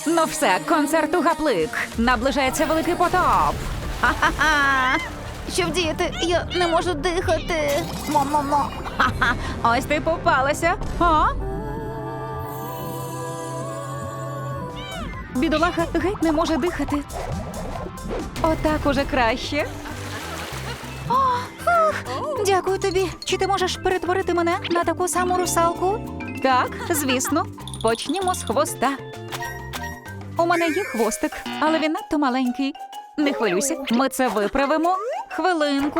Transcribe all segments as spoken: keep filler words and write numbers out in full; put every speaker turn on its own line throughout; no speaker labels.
Ну все, концерт у гаплик. Наближається великий потоп.
Ха-ха-ха! Що вдіяти? Я не можу дихати. Мо-мо-мо.
Ха-ха, ось ти попалася. А? Бідолаха геть не може дихати. Отак уже краще.
О, ух, дякую тобі. Чи ти можеш перетворити мене на таку саму русалку?
Так, звісно. Почнімо з хвоста. У мене є хвостик, але він надто маленький. Не хвилюйся, ми це виправимо. Хвилинку.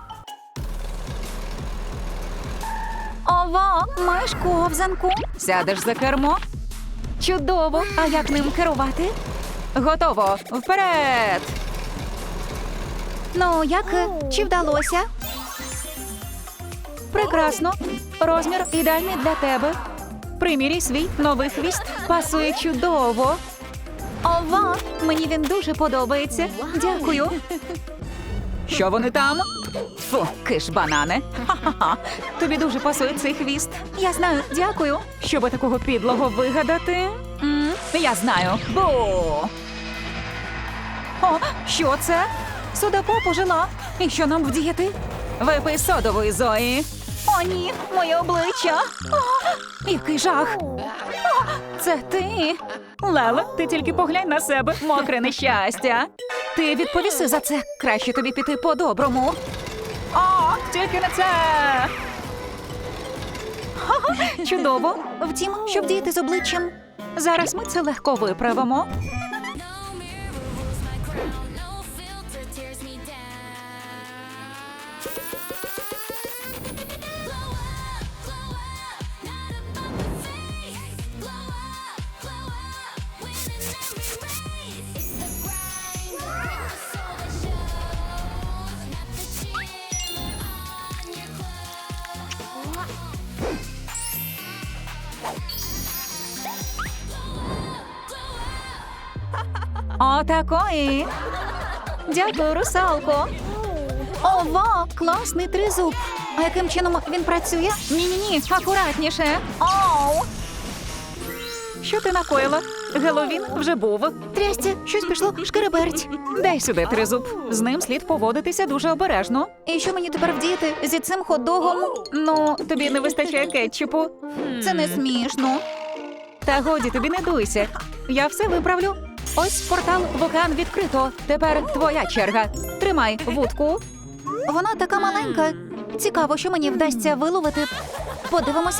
Ова, маєш ковзанку.
Сядеш за кермо. Чудово! А як ним керувати? Готово! Вперед!
Ну, як? Чи вдалося?
Прекрасно! Розмір ідеальний для тебе. Приміряй свій новий хвіст. Пасує чудово.
Ова, мені він дуже подобається.
Дякую. Що вони там? Фу, киш банане. Ха-ха-ха. Тобі дуже пасує цей хвіст.
Я знаю, дякую.
Щоби такого підлого вигадати? М, я знаю. Бу! О, що це? Судопоп ожила. І що нам вдіяти? Випий содової, Зої.
О, ні, моє обличчя.
О, який жах. О, це ти. Леле, ти тільки поглянь на себе. Мокре нещастя. Ти відповіси за це. Краще тобі піти по-доброму. О, тільки не це. Ха-ха, чудово.
Втім, що вдіяти з обличчям?
Зараз ми це легко виправимо. Отакої.
Дякую, русалко. Ова, класний тризуб. А яким чином він працює?
Ні-ні-ні, акуратніше.
Оу!
Що ти накоїла? Геловін вже був.
Трясця, щось пішло шкереберть.
Дай сюди тризуб. З ним слід поводитися дуже обережно.
І що мені тепер вдіяти зі цим хот-догом?
Ну, тобі не вистачає кетчупу.
Це не смішно.
Та годі, тобі не дуйся. Я все виправлю. Ось портал в океан відкрито. Тепер твоя черга. Тримай вудку.
Вона така маленька. Цікаво, що мені вдасться виловити. Подивимося.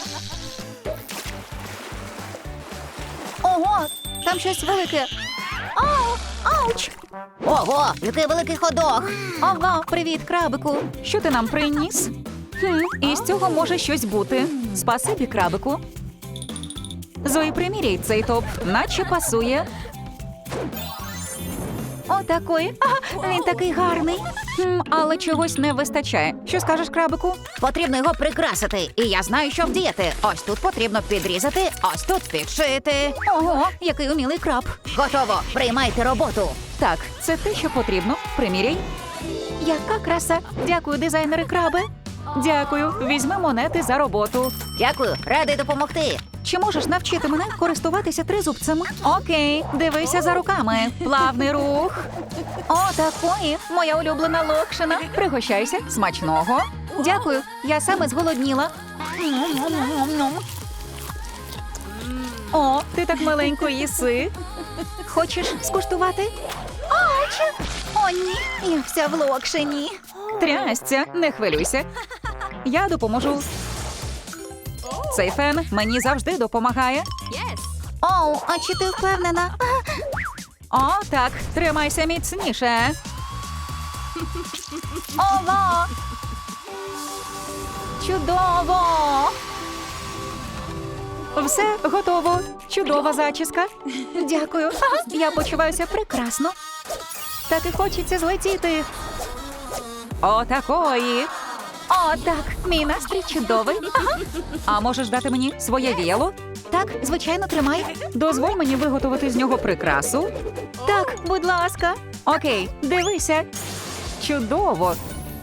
Ого, там щось велике. Ау, ауч! Ого, який великий ходок. Ого, привіт, крабику.
Що ти нам приніс? Хм, із цього може щось бути. Спасибі, крабику. Зої, приміряй цей топ, наче пасує.
Отакої. Ага, він такий гарний.
Хм, але чогось не вистачає. Що скажеш, крабику?
Потрібно його прикрасити, і я знаю, що вдіяти. Ось тут потрібно підрізати, ось тут підшити.
Ого, який умілий краб.
Готово, приймайте роботу.
Так, це те, що потрібно. Приміряй.
Яка краса.
Дякую, дизайнери краби. Дякую, візьми монети за роботу.
Дякую, радий допомогти.
Чи можеш навчити мене користуватися тризубцем? Окей, дивися за руками. Плавний рух.
О, такої, моя улюблена локшина.
Пригощайся, смачного.
Дякую, я саме зголодніла.
О, ти так маленько їси.
Хочеш скуштувати? Ач! О, ні, я вся в локшині.
Трясця, не хвилюйся. Я допоможу. Цей фен мені завжди допомагає.
Оу, а чи ти впевнена?
О, так, тримайся міцніше.
Ова!
Чудово! Все готово. Чудова зачіска.
Дякую.
Ага, я почуваюся прекрасно. Так і хочеться злетіти. Отакої.
О, так, мій настрій чудовий.
Ага. А можеш дати мені своє віяло?
Так, звичайно, тримай.
Дозволь мені виготовити з нього прикрасу.
Так, будь ласка.
Окей, дивися. Чудово.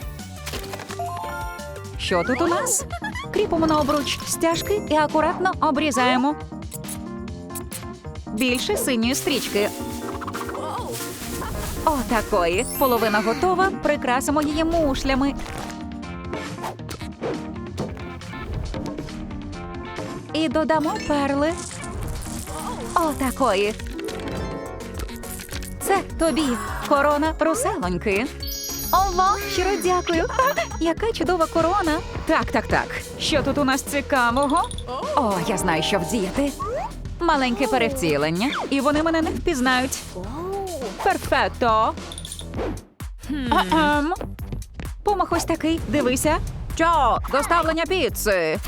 Що тут у нас? Кріпимо на обруч стяжки і акуратно обрізаємо. Більше синьої стрічки. О, такої. Половина готова. Прикрасимо її мушлями. І додамо перли. О, такої. Це тобі. Корона русалоньки. Ова, щиро дякую. Ха, яка чудова корона. Так, так, так. Що тут у нас цікавого? О, я знаю, що вдіяти. Маленьке перевтілення, і вони мене не впізнають. Перфекто. Ем. Помах ось такий, дивися. Що? Доставлення піци.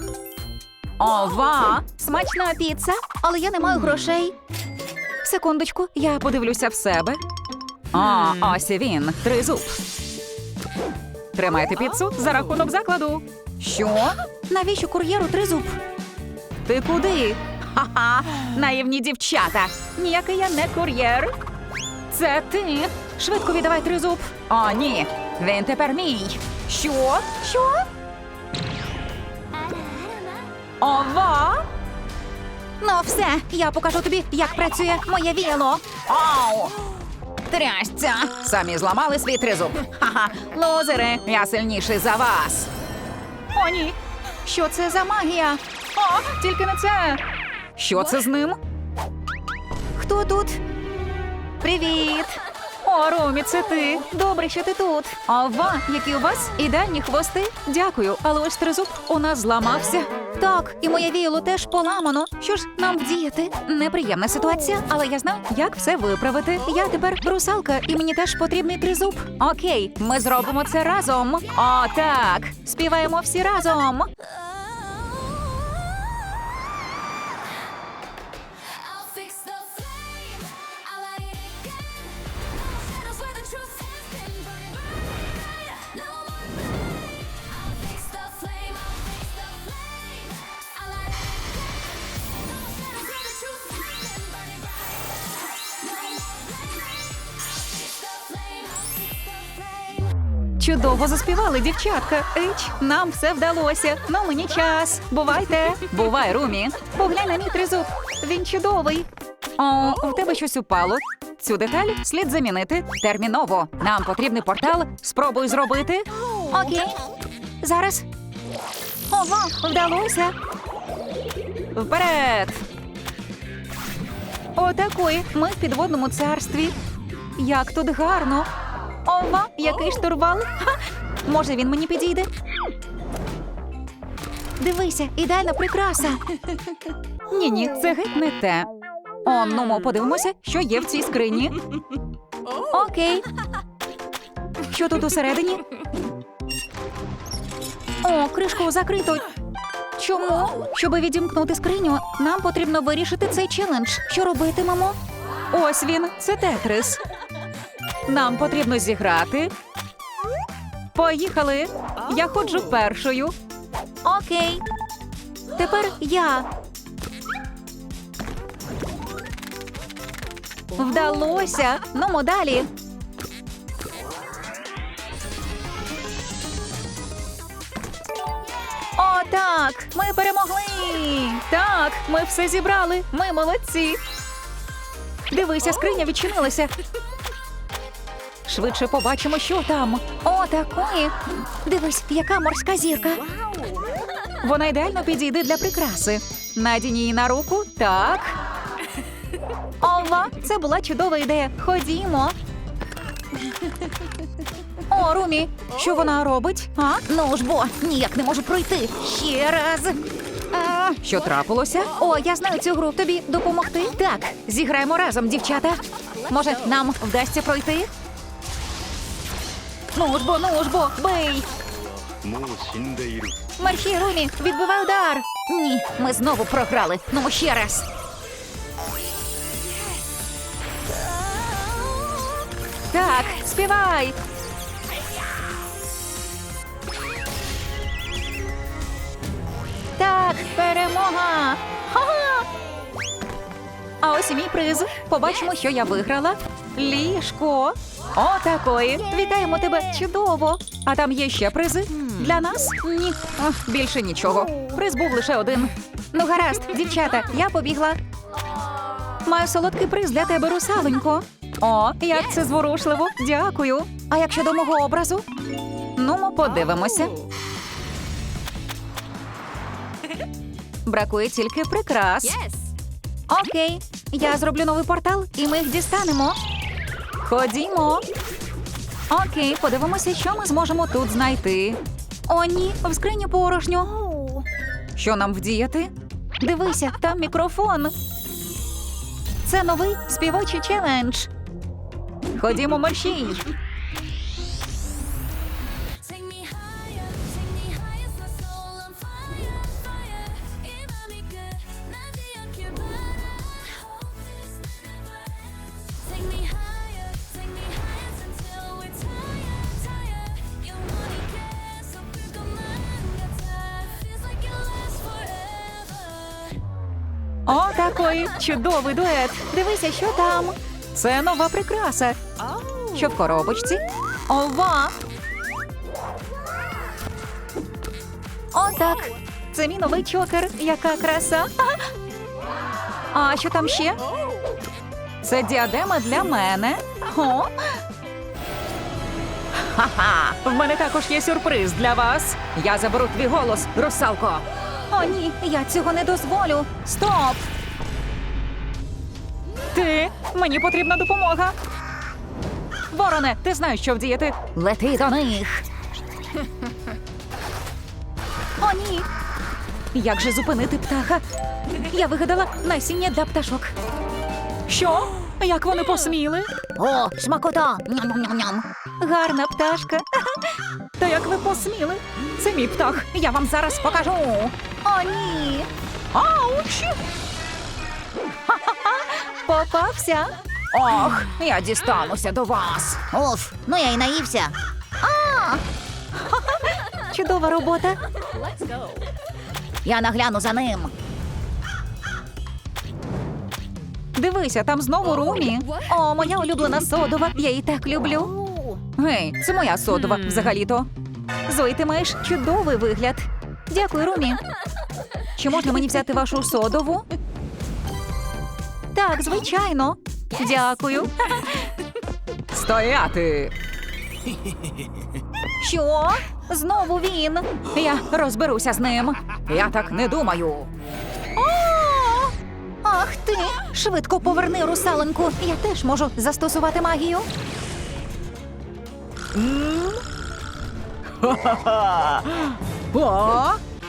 Ова,
Смачна піца, але я не маю грошей.
секундочку, я подивлюся в себе. А, ось і він, тризуб. Тримайте піцу за рахунок закладу. Що?
Навіщо кур'єру тризуб?
Ти куди? Ха-ха, наївні дівчата. Ніякий я не кур'єр. Це ти. Швидко віддавай тризуб. О, ні, він тепер мій. Що?
Що?
Ова?
Ну все, я покажу тобі, як працює моє віяло.
Ау! Трясця! Самі зламали свій тризуб. Ха-ха, лузери, я сильніший за вас. О, ні.
Що це за магія?
О, тільки не це. Що це з ним?
Хто тут? Привіт!
О, Румі, це ти. Добре, що ти тут. Ова, які у вас ідеальні хвости. Дякую, але ось тризуб у нас зламався.
Так, і моє віяло теж поламано. Що ж нам вдіяти?
Неприємна ситуація, але я знаю, як все виправити. Я тепер русалка, і мені теж потрібний тризуб. Окей, ми зробимо це разом. О, так. Співаємо всі разом.
I'll fix the flame. I'll light it again. Shadows where the truth has been burning bright. No more pain. I'll fix the flame. I'll fix the flame. I'll light it again. No shadows where the truth has been burning bright. No more pain. I'll fix the flame. I'll fix the flame.
Чудово заспівали, дівчатка. Ич, нам все вдалося. Ну, мені час. Бувайте. Бувай, Румі. Поглянь на мій тризуб. Він чудовий. О, у тебе щось упало. Цю деталь слід замінити терміново. Нам потрібний портал. Спробуй зробити.
Окей. Зараз.
Ова, вдалося. Вперед. Отакої. Ми в підводному царстві. Як тут гарно. Ова, який штурвал. Ха! Може, він мені підійде?
Дивися, ідеальна прикраса.
Ні-ні, це геть не те. О, ну ми подивимося, що є в цій скрині.
Окей.
Що тут усередині?
О, кришку закрито.
Чому?
Щоб відімкнути скриню, нам потрібно вирішити цей челендж. Що робитимемо?
Ось він, це тетрис. Нам потрібно зіграти. Поїхали. Я ходжу першою.
Окей. Тепер я.
Вдалося.
Ну, далі.
О, так, ми перемогли. Так, ми все зібрали. Ми молодці. Дивися, скриня відчинилася. Швидше побачимо, що там.
О, такої. Дивись, яка морська зірка.
Вона ідеально підійде для прикраси. Надінь її на руку. Так. Ова, це була чудова ідея. Ходімо.
О, Румі, що вона робить? А? Ну ж бо, ніяк не можу пройти. Ще раз.
А, що трапилося?
О, я знаю цю гру. Тобі допомогти?
Так, зіграємо разом, дівчата. Може, нам вдасться пройти? Ну ж бо, ну ж бо, бий!
もう死んでいる
Мерщій, Румі, відбивай удар.
Ні, ми знову програли. Ну, ще раз. Так, співай. Так, перемога. Ха-ха! А ось і мій приз. Побачимо, що я виграла. Ліжко. О, такої. Вітаємо тебе. Чудово. А там є ще призи? Для нас? Ні. Ох, більше нічого. Приз був лише один. Ну, гаразд, дівчата, я побігла. Маю солодкий приз для тебе, русалонько. О, як це зворушливо. Дякую. А як щодо мого образу? Ну, ми подивимося. Бракує тільки прикрас. Окей, я зроблю новий портал, і ми їх дістанемо. Ходімо. Окей, подивимося, що ми зможемо тут знайти. О, ні, в скрині порожньо. Що нам вдіяти? Дивися, там мікрофон. Це новий співочий челендж. Ходімо, мерщій.
Take me higher, take me higher, my soul on fire, fire. 이 맘이 끝나지 않길 바라. Hope this never ends. Take me higher, take me higher until we're tired, tired. 영원히 계속 불 것만 같아. Feels like it lasts forever.
О, такий чудовий дует. Дивися, що там. Це нова прикраса. Що в коробочці? Ова! О, так. Це мій новий чокер. Яка краса. А що там ще? Це діадема для мене. О! Ха-ха! В мене також є сюрприз для вас. Я заберу твій голос, русалко. О, ні, я цього не дозволю. Стоп! Ти? Мені потрібна допомога. Вороне, ти знаєш, що вдіяти. Лети до них. О, ні. Як же зупинити птаха? Я вигадала насіння для пташок. Що? Як вони посміли?
О, смакота! Ням-ням-ням.
Гарна пташка. Та як ви посміли? Це мій птах. Я вам зараз покажу. О, ні. Ауч! Ха-ха-ха. Попався. Ох, я дістануся до вас.
Уф, ну я й наївся.
Чудова робота.
Я нагляну за ним.
Дивися, там знову Румі. О, моя улюблена содова. Я її так люблю. Гей, це моя содова взагалі-то. Зої, ти маєш чудовий вигляд. Дякую, Румі. Чи можна мені взяти вашу содову? Так, звичайно. Дякую. Стояти. Що? Знову він. Я розберуся з ним. Я так не думаю. О! Ах ти! Швидко поверни русалоньку. Я теж можу застосувати магію. О!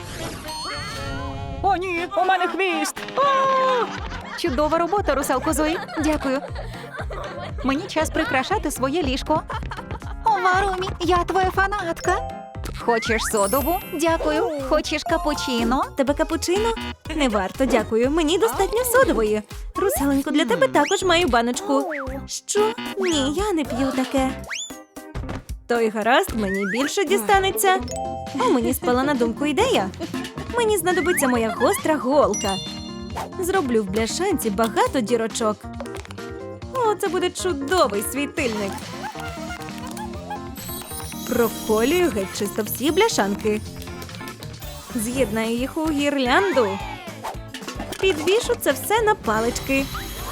О, ні, у мене хвіст. О! Чудова робота, русалко Зої. Дякую. Мені час прикрашати своє ліжко. Ова, Румі, я твоя фанатка. Хочеш содову? Дякую. Хочеш капучино?
Тебе капучино? Не варто, дякую. Мені достатньо содової. Русаленько, для тебе також маю баночку. Що? Ні, я не п'ю таке. То й гаразд, мені більше дістанеться. О, мені спала на думку ідея. Мені знадобиться моя гостра голка. Зроблю в бляшанці багато дірочок. О, це буде чудовий світильник. Проколюю геть чисто всі бляшанки. З'єднаю їх у гірлянду. Підвішу це все на палички.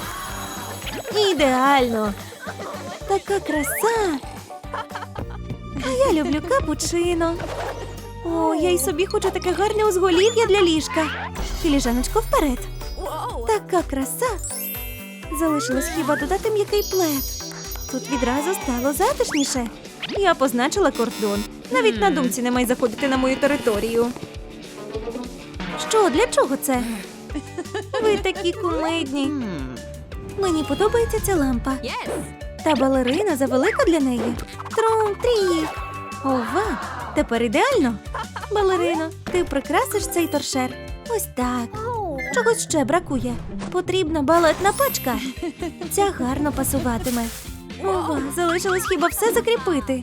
Ідеально! Така краса! А я люблю капучино. О, я й собі хочу таке гарне узголів'я для ліжка. Філіжаночко, вперед. Така краса! Залишилось хіба додати м'який плед. Тут відразу стало затишніше. Я позначила кордон. Навіть на думці не май заходити на мою територію. Що, для чого це? Ви такі кумедні. Мені подобається ця лампа. Та балерина завелика для неї. Трум-трік. Ова, тепер ідеально. Балерино, ти прикрасиш цей торшер. Ось так. Чогось ще бракує. Потрібна балетна пачка. Ця гарно пасуватиме. Ова, залишилось хіба все закріпити.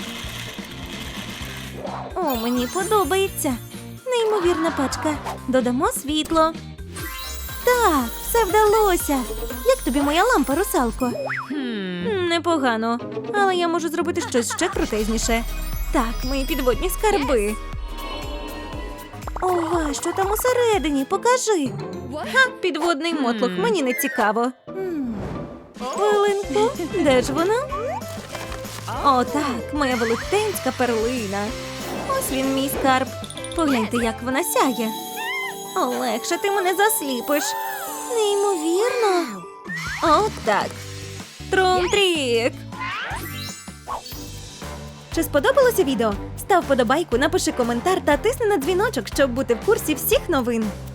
О, мені подобається. Неймовірна пачка. Додамо світло. Так, все вдалося. Як тобі моя лампа, русалко? М, Непогано, але я можу зробити щось ще крутезніше. Так, мої підводні скарби. Ова, що там усередині? Покажи. Ха, підводний мотлох, мені не цікаво. Хвилинку, де ж вона? О, так, моя велетенська перлина. Ось він, мій скарб. Погляньте, як вона сяє. Олегше, ти мене засліпиш. Неймовірно. О, так. Трум-трік. Чи сподобалося відео? Став подобайку, напиши коментар та тисни на дзвіночок, щоб бути в курсі всіх новин.